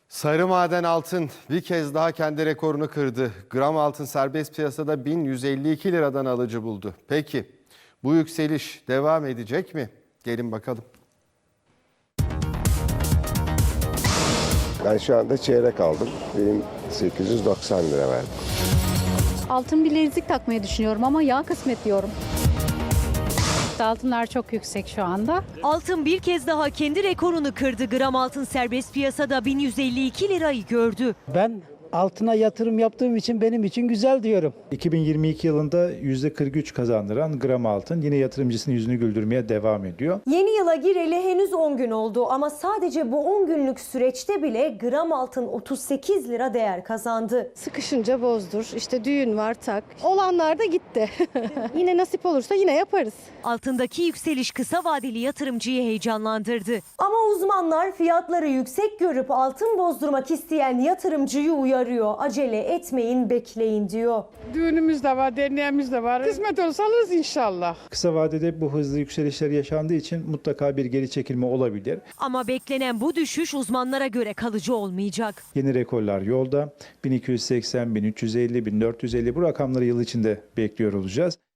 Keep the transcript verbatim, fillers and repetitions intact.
Sarı maden altın bir kez daha kendi rekorunu kırdı. Gram altın serbest piyasada bin yüz elli iki liradan alıcı buldu. Peki bu yükseliş devam edecek mi? Gelin bakalım. Ben şu anda çeyrek aldım. Benim sekiz yüz doksan lira verdim. Altın bilezik takmayı düşünüyorum ama ya kısmet diyorum. Altınlar çok yüksek şu anda. Altın bir kez daha kendi rekorunu kırdı. Gram altın serbest piyasada bin yüz elli iki lirayı gördü. Ben altına yatırım yaptığım için benim için güzel diyorum. iki bin yirmi iki yılında yüzde kırk üç kazandıran gram altın yine yatırımcısının yüzünü güldürmeye devam ediyor. Yeni yıla gireli henüz on gün oldu ama sadece bu on günlük süreçte bile gram altın otuz sekiz lira değer kazandı. Sıkışınca bozdur. İşte düğün var tak. Olanlar da gitti. Yine nasip olursa yine yaparız. Altındaki yükseliş kısa vadeli yatırımcıyı heyecanlandırdı. Ama uzmanlar fiyatları yüksek görüp altın bozdurmak isteyen yatırımcıyı uyarıyor. Acele etmeyin, bekleyin diyor. Düğünümüz de var, derneğimiz de var. Kısmet olsa alırız inşallah. Kısa vadede bu hızlı yükselişler yaşandığı için mutlaka bir geri çekilme olabilir. Ama beklenen bu düşüş uzmanlara göre kalıcı olmayacak. Yeni rekorlar yolda. bin iki yüz seksen, bin üç yüz elli, bin dört yüz elli bu rakamları yıl içinde bekliyor olacağız.